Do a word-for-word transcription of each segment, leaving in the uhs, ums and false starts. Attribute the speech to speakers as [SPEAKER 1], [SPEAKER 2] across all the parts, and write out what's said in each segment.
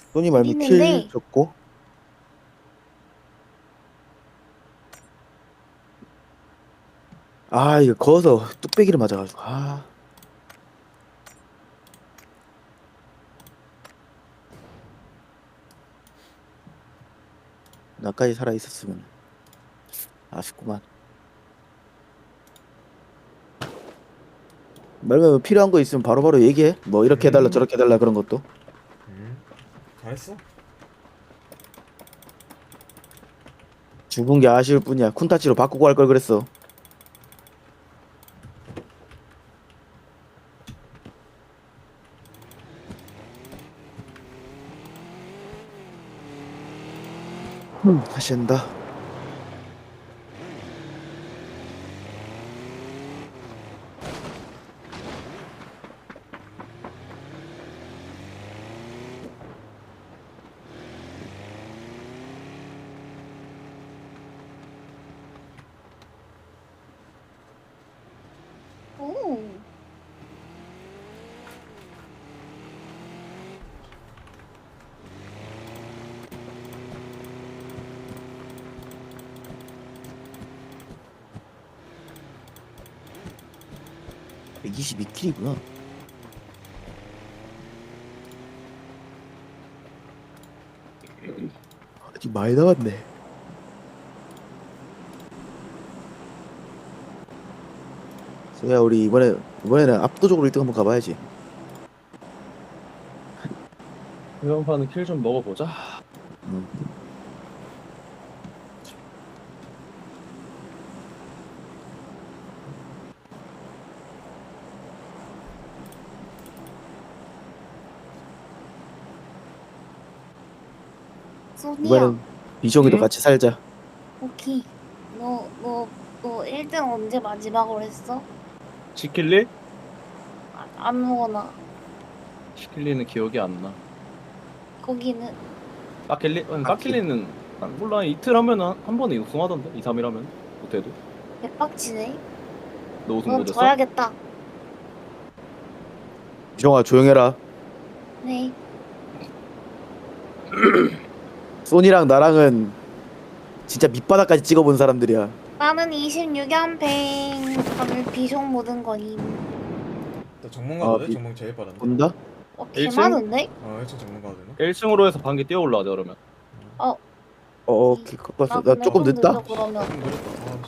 [SPEAKER 1] 소니
[SPEAKER 2] 어디
[SPEAKER 1] 말미 킬
[SPEAKER 2] 있는데?
[SPEAKER 1] 줬고. 아 이거 거서 뚝배기를 맞아가지고. 아 나까지 살아 있었으면 아쉽구만. 말면 뭐 필요한 거 있으면 바로바로 얘기해. 뭐 이렇게 해달라
[SPEAKER 3] 음,
[SPEAKER 1] 저렇게 해달라 그런 것도.
[SPEAKER 3] 음, 잘했어.
[SPEAKER 1] 죽은 게 아쉬울 뿐이야. 쿤타치로 바꾸고 할 걸 그랬어. 음, 다시 한다.
[SPEAKER 2] 오.
[SPEAKER 1] 백이십이 킬이구나. 아직 많이 남았네. 소야 우리 이번에 이번에는 압도적으로 일 등 한번 가봐야지.
[SPEAKER 4] 이번 판은 킬 좀 먹어보자.
[SPEAKER 1] 음.
[SPEAKER 2] 소니야.
[SPEAKER 1] 이번엔 비숑이도
[SPEAKER 4] 응?
[SPEAKER 1] 같이 살자.
[SPEAKER 2] 오케이. 너, 너, 너 일 등 언제 마지막으로 했어?
[SPEAKER 4] 시킬리?
[SPEAKER 2] 아, 아무거나.
[SPEAKER 4] 시킬리는 기억이 안 나.
[SPEAKER 2] 거기는.
[SPEAKER 4] 까킬리? 아니,
[SPEAKER 1] 까킬.
[SPEAKER 4] 까킬리는 난 몰라. 이틀 하면 한, 한 번에 우승하던데? 이, 삼 일 하면 못해도.
[SPEAKER 2] 개빡치네.
[SPEAKER 4] 너 우승
[SPEAKER 2] 넌
[SPEAKER 4] 못했어?
[SPEAKER 2] 져야겠다.
[SPEAKER 1] 비숑아 조용해라.
[SPEAKER 2] 네.
[SPEAKER 1] 소니랑 나랑은 진짜 밑바닥까지 찍어본 사람들이야.
[SPEAKER 2] 나는 이십육 연팽. 다들 비숑 모든 거임.
[SPEAKER 3] 나 전문가거든.
[SPEAKER 1] 비-
[SPEAKER 3] 전문 제일 빠른데.
[SPEAKER 1] 본다?
[SPEAKER 2] 어,
[SPEAKER 4] 일 층?
[SPEAKER 2] 개 많은데?
[SPEAKER 3] 어, 일층 전문가거든.
[SPEAKER 4] 일 층으로 해서 반개 뛰어 올라가자 그러면.
[SPEAKER 2] 어,
[SPEAKER 1] 어, 오케이
[SPEAKER 2] 나
[SPEAKER 1] 꺾었어. 나
[SPEAKER 2] 근데
[SPEAKER 1] 조금
[SPEAKER 2] 좀
[SPEAKER 1] 늦다.
[SPEAKER 2] 늦어, 그러면.
[SPEAKER 3] 좀 느렸다. 아,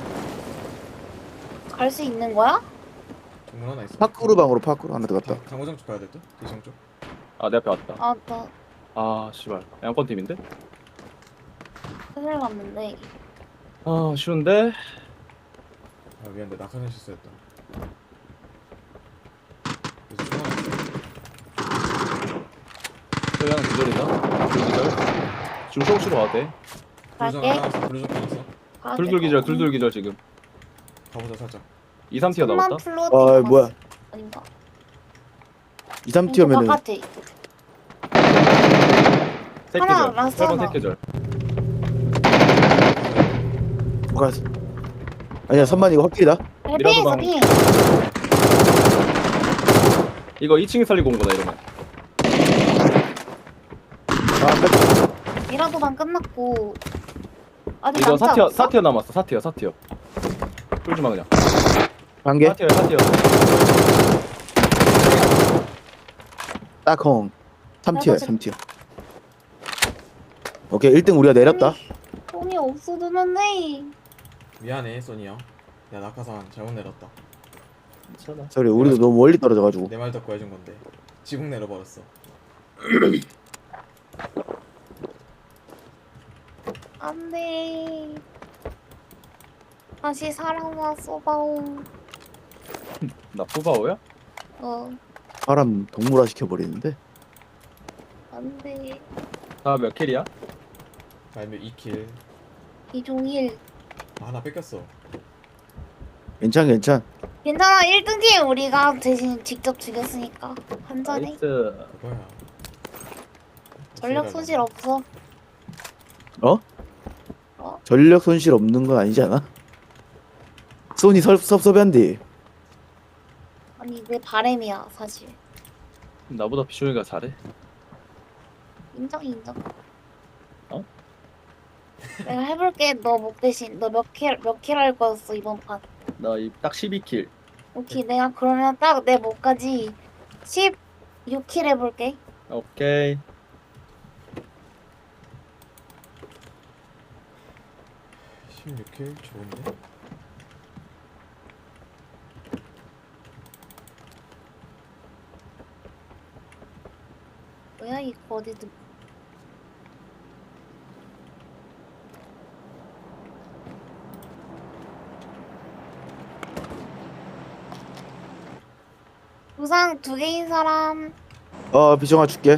[SPEAKER 3] 씨.
[SPEAKER 2] 갈 수 있는 거야?
[SPEAKER 3] 전문 하나 있어.
[SPEAKER 1] 파쿠르 방으로 파쿠르 하나 들어갔다.
[SPEAKER 3] 강- 강호정 쪽 가야 될 듯? 대성 쪽.
[SPEAKER 4] 아, 내 앞에 왔다.
[SPEAKER 2] 아, 나
[SPEAKER 4] 아, 씨발. 양권 팀인데?
[SPEAKER 2] 큰일 났는데.
[SPEAKER 4] 아, 쉬운데?
[SPEAKER 3] 아, 미안해. 낙하산 실수했다. 그래서 총 하나 있어.
[SPEAKER 4] 저기 하나 기절이다. 둘 기절. 중소시로 와도 돼.
[SPEAKER 3] 블루정
[SPEAKER 2] 갈게.
[SPEAKER 3] 하나 있어. 블루정 하나 있어.
[SPEAKER 2] 가야
[SPEAKER 4] 둘둘
[SPEAKER 2] 될것
[SPEAKER 4] 기절,
[SPEAKER 2] 같네.
[SPEAKER 4] 둘둘 기절 지금.
[SPEAKER 3] 가보자 살짝.
[SPEAKER 4] 이, 삼 티어
[SPEAKER 2] 삼만
[SPEAKER 4] 나왔다.
[SPEAKER 2] 플로팅
[SPEAKER 1] 아
[SPEAKER 2] 봤어.
[SPEAKER 1] 뭐야?
[SPEAKER 2] 아닌가?
[SPEAKER 1] 이, 삼
[SPEAKER 2] 왼쪽
[SPEAKER 1] 티어면은
[SPEAKER 2] 바깥에.
[SPEAKER 4] 세
[SPEAKER 2] 하나
[SPEAKER 4] 기절.
[SPEAKER 2] 라스트
[SPEAKER 4] 세 번
[SPEAKER 2] 하나.
[SPEAKER 4] 세 기절.
[SPEAKER 1] 뭐가 아니야 선만 이거 확실이다.
[SPEAKER 2] 헬핑 있어,
[SPEAKER 4] 미라도방.
[SPEAKER 2] 핑.
[SPEAKER 4] 이거 이 층에 살리고 온 거다 이러면.
[SPEAKER 1] 아 끝.
[SPEAKER 2] 미라도 반 끝났고. 아직
[SPEAKER 4] 이거
[SPEAKER 2] 남자
[SPEAKER 4] 사 티어
[SPEAKER 2] 없어?
[SPEAKER 4] 사 티어 남았어. 사 티어 사 티어. 끌지 마 그냥.
[SPEAKER 1] 한 개.
[SPEAKER 4] 사 티어 사 티어.
[SPEAKER 1] 딱홍. 삼 티어야
[SPEAKER 2] 맞아.
[SPEAKER 1] 삼 티어. 오케이 일 등 우리가 내렸다.
[SPEAKER 2] 돈이 없어도 는데
[SPEAKER 3] 미안해 소니야. 야 낙하산 잘못 내렸다.
[SPEAKER 4] 괜찮아.
[SPEAKER 1] 소리 우리도 너무 멀리 떨어져가지고.
[SPEAKER 3] 내 말 듣고 해준 건데 지붕 내려버렸어.
[SPEAKER 2] 안돼. 다시 사랑과 쏘바오.
[SPEAKER 4] 나 푸바오야?
[SPEAKER 2] 어,
[SPEAKER 1] 사람 동물화 시켜버리는데.
[SPEAKER 2] 안돼.
[SPEAKER 4] 나 몇 킬이야?
[SPEAKER 3] 말미 이 킬.
[SPEAKER 2] 이종일.
[SPEAKER 3] 아, 하나 뺏겼어.
[SPEAKER 1] 괜찮 괜찮.
[SPEAKER 2] 괜찮아, 일 등 팀 우리가 대신 직접 죽였으니까 한잔해.
[SPEAKER 4] 나이스.
[SPEAKER 3] 그거야.
[SPEAKER 2] 전력 손실 없어.
[SPEAKER 1] 어?
[SPEAKER 2] 어?
[SPEAKER 1] 전력 손실 없는 건 아니지 않아? 소니 섭 섭섭한데.
[SPEAKER 2] 아니 내 바램이야 사실.
[SPEAKER 4] 나보다 비쇼이가 잘해.
[SPEAKER 2] 인정 인정.
[SPEAKER 4] 어?
[SPEAKER 2] 내가 해볼게. 너 목 대신 너 몇 킬 몇 킬 할 거였어 이번 판.
[SPEAKER 4] 나딱 십이 킬.
[SPEAKER 2] 오케이 내가 그러면 딱 내 목까지 십육 킬 해볼게.
[SPEAKER 4] 오케이.
[SPEAKER 3] 십육 킬 좋은데?
[SPEAKER 2] 뭐야 이거 어디든. 부상 두 개인 사람.
[SPEAKER 1] 어 비정아 줄게.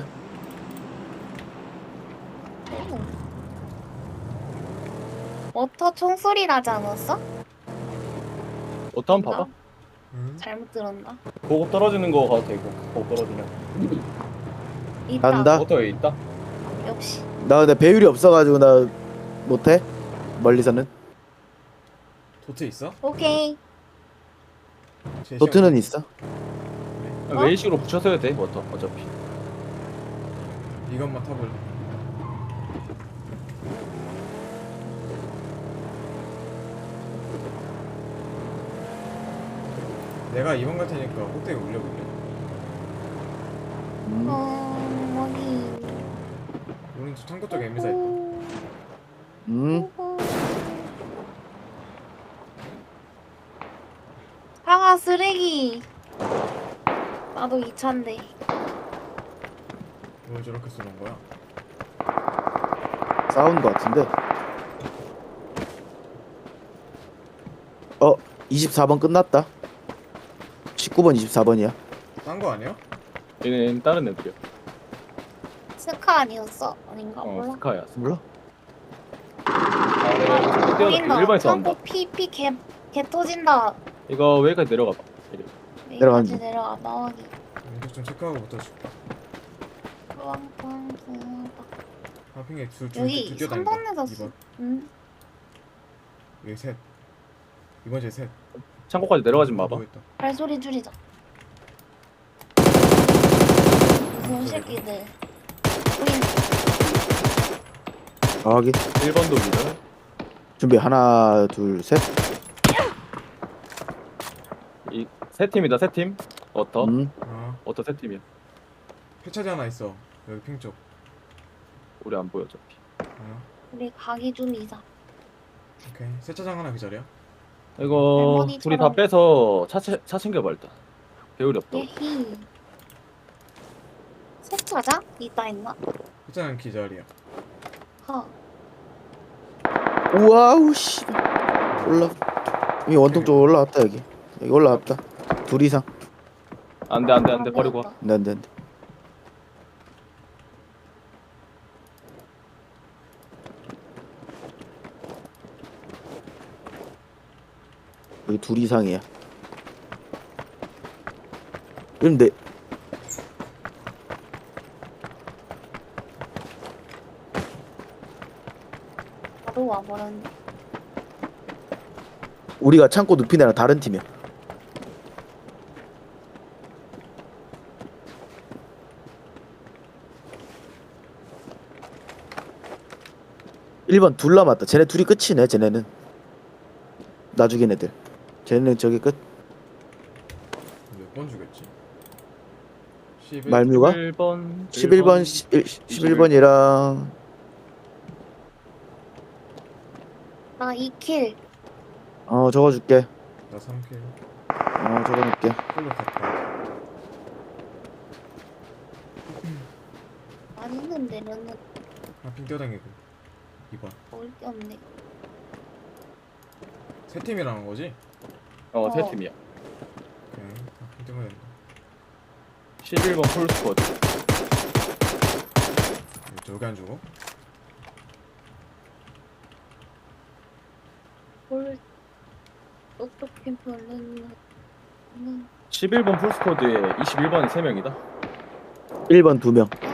[SPEAKER 2] 워터 총소리 나지 않았어?
[SPEAKER 4] 어떠 한번 봐봐.
[SPEAKER 3] 응?
[SPEAKER 2] 잘못 들었나?
[SPEAKER 4] 보급 떨어지는 거 가도 되고. 보급 떨어지면.
[SPEAKER 2] 있다.
[SPEAKER 1] 간다.
[SPEAKER 4] 워터에 있다.
[SPEAKER 2] 역시.
[SPEAKER 1] 나 근데 배율이 없어가지고 나 못해. 멀리서는.
[SPEAKER 3] 도트 있어?
[SPEAKER 2] 오케이.
[SPEAKER 3] 제시형
[SPEAKER 1] 도트는 있어.
[SPEAKER 2] 어?
[SPEAKER 4] 웨이식으로 붙여서 해도 돼. 워터 어차피.
[SPEAKER 3] 이것만 타볼래. 내가 이 번 갈 테니까 꼭대기 올려볼게.
[SPEAKER 1] 음.
[SPEAKER 2] 어, 어디.
[SPEAKER 3] 오른쪽 창고 쪽에 엠미사 있다.
[SPEAKER 1] 음.
[SPEAKER 2] 사과 쓰레기. 나도 이 차인데.
[SPEAKER 3] 왜 저렇게 쏘는 거야?
[SPEAKER 1] 싸우는 거 같은데. 어 이십사 번 끝났다. 십구 번 이십사 번이야.
[SPEAKER 3] 딴 거 아니야?
[SPEAKER 4] 얘는 다른 애들이야.
[SPEAKER 2] 스카 아니었어? 아닌가
[SPEAKER 4] 어
[SPEAKER 2] 몰라.
[SPEAKER 4] 스카야.
[SPEAKER 1] 몰라?
[SPEAKER 4] 아 내가 뛰어나 일반에서 한다.
[SPEAKER 2] 창고 피피 개, 개 터진다.
[SPEAKER 4] 이거 웨이까지 내려가 봐. 이래.
[SPEAKER 1] 내려가는
[SPEAKER 2] 여기까지
[SPEAKER 1] 중.
[SPEAKER 2] 내려가 나와기.
[SPEAKER 3] 왼쪽 좀 체크하고 붙어줄게.
[SPEAKER 2] 빵빵.
[SPEAKER 3] 하핑에 둘둘
[SPEAKER 2] 여기
[SPEAKER 3] 뛰어
[SPEAKER 2] 삼
[SPEAKER 3] 다닌다.
[SPEAKER 2] 번에서
[SPEAKER 3] 이 번.
[SPEAKER 2] 응.
[SPEAKER 3] 여기 셋. 이번 제 셋.
[SPEAKER 4] 창고까지 내려가지 마봐.
[SPEAKER 3] 보였다.
[SPEAKER 2] 발소리 줄이자. 무슨 새끼들. 보인다.
[SPEAKER 1] 정확히
[SPEAKER 4] 일 번도 미들.
[SPEAKER 1] 준비 하나 둘 셋.
[SPEAKER 4] 이세 팀이다 세 팀. 워터.
[SPEAKER 1] 음.
[SPEAKER 3] 아,
[SPEAKER 4] 워터 세 팀이야.
[SPEAKER 3] 폐차지 하나 있어. 여기 핑 쪽.
[SPEAKER 4] 우리 안 보여 어차피.
[SPEAKER 3] 아,
[SPEAKER 2] 우리 가기 좀 이자.
[SPEAKER 3] 오케이. 세차장 하나 그 자리야.
[SPEAKER 4] 이거
[SPEAKER 2] 할머니처럼.
[SPEAKER 4] 둘이 다 빼서 차, 채- 차 챙겨봐 일단. 배율이 없다.
[SPEAKER 2] 예히. 세차장? 있다 했나?
[SPEAKER 3] 세차장 그 자리야.
[SPEAKER 2] 허.
[SPEAKER 1] 우와우 씨. 올라. 이 원통 쪽 올라왔다 여기. 여기 올라왔다. 둘 이상.
[SPEAKER 4] 안돼 안돼 안돼 버리고 와.
[SPEAKER 1] 안돼 안돼 안돼. 여기 둘 이상이야. 그럼 내
[SPEAKER 2] 바로 와버렸네.
[SPEAKER 1] 우리가 창고 눕힌 애랑 다른 팀이야. 일 번 둘 남았다. 쟤네 둘이 끝이네. 쟤네는 나 죽인 애들. 쟤네는 저기 끝.
[SPEAKER 3] 몇 번 주겠지? 십일.
[SPEAKER 1] 말묘가
[SPEAKER 4] 일 번.
[SPEAKER 1] 십일 번 십일 번이랑
[SPEAKER 2] 나 이 킬.
[SPEAKER 1] 어 적어줄게.
[SPEAKER 3] 나 삼 킬.
[SPEAKER 1] 어 적어놓을게.
[SPEAKER 3] 풀로 갔다.
[SPEAKER 2] 많이 있는데 면은
[SPEAKER 3] 하핑 뛰어다니고. 이 번.
[SPEAKER 2] 먹을 게 없네.
[SPEAKER 3] 세 팀이라는 거지?
[SPEAKER 4] 어세
[SPEAKER 2] 어.
[SPEAKER 4] 팀이야.
[SPEAKER 3] 오케이. 하핑 뛰면 된다.
[SPEAKER 4] 십일 번 풀 스쿼드.
[SPEAKER 3] 저기 안 주고?
[SPEAKER 2] 뭘 어떻게 별로는
[SPEAKER 4] 십일 번 풀 스쿼드에 이십일 번이 세 명이다.
[SPEAKER 1] 일 번 두 명.